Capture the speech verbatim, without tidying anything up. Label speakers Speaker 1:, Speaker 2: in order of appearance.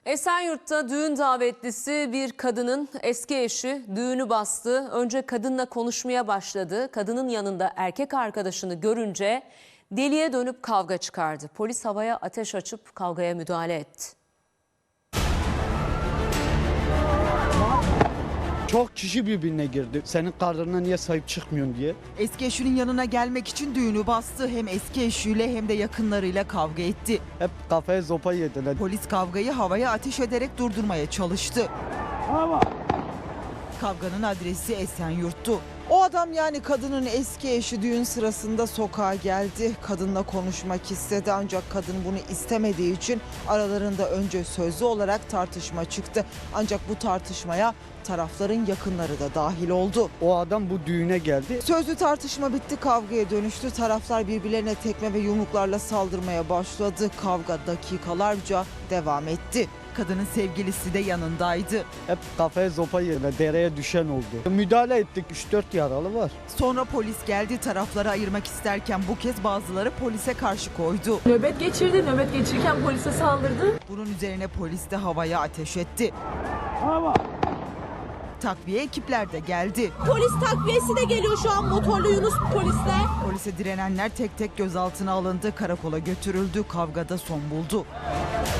Speaker 1: Esenyurt'ta düğün davetlisi bir kadının eski eşi düğünü bastı. Önce kadınla konuşmaya başladı. Kadının yanında erkek arkadaşını görünce deliye dönüp kavga çıkardı. Polis havaya ateş açıp kavgaya müdahale etti.
Speaker 2: Çok kişi birbirine girdi. Senin karnına niye sahip çıkmıyorsun diye.
Speaker 3: Eski eşinin yanına gelmek için düğünü bastı. Hem eski eşiyle hem de yakınlarıyla kavga etti.
Speaker 2: Hep kafaya zopa yediler.
Speaker 3: Polis kavgayı havaya ateş ederek durdurmaya çalıştı.
Speaker 2: Ama
Speaker 3: Kavganın adresi Esenyurt'tu. O adam yani kadının eski eşi düğün sırasında sokağa geldi. Kadınla konuşmak istedi ancak kadın bunu istemediği için aralarında önce sözlü olarak tartışma çıktı. Ancak bu tartışmaya tarafların yakınları da dahil oldu.
Speaker 2: o adam bu düğüne geldi.
Speaker 3: Sözlü tartışma bitti, kavgaya dönüştü. Taraflar birbirlerine tekme ve yumruklarla saldırmaya başladı. Kavga dakikalarca devam etti. Kadının sevgilisi de yanındaydı.
Speaker 2: Hep kafaya zopa yediler. Dereye düşen oldu. Müdahale ettik. üç dört yaralı var.
Speaker 3: Sonra polis geldi, tarafları ayırmak isterken bu kez bazıları polise karşı koydu.
Speaker 4: Nöbet geçirdi. Nöbet geçirirken polise saldırdı.
Speaker 3: Bunun üzerine polis de havaya ateş etti. Takviye ekipler de geldi.
Speaker 4: Polis takviyesi de geliyor şu an, motorlu Yunus polisler.
Speaker 3: Polise direnenler tek tek gözaltına alındı, karakola götürüldü, kavgada son buldu.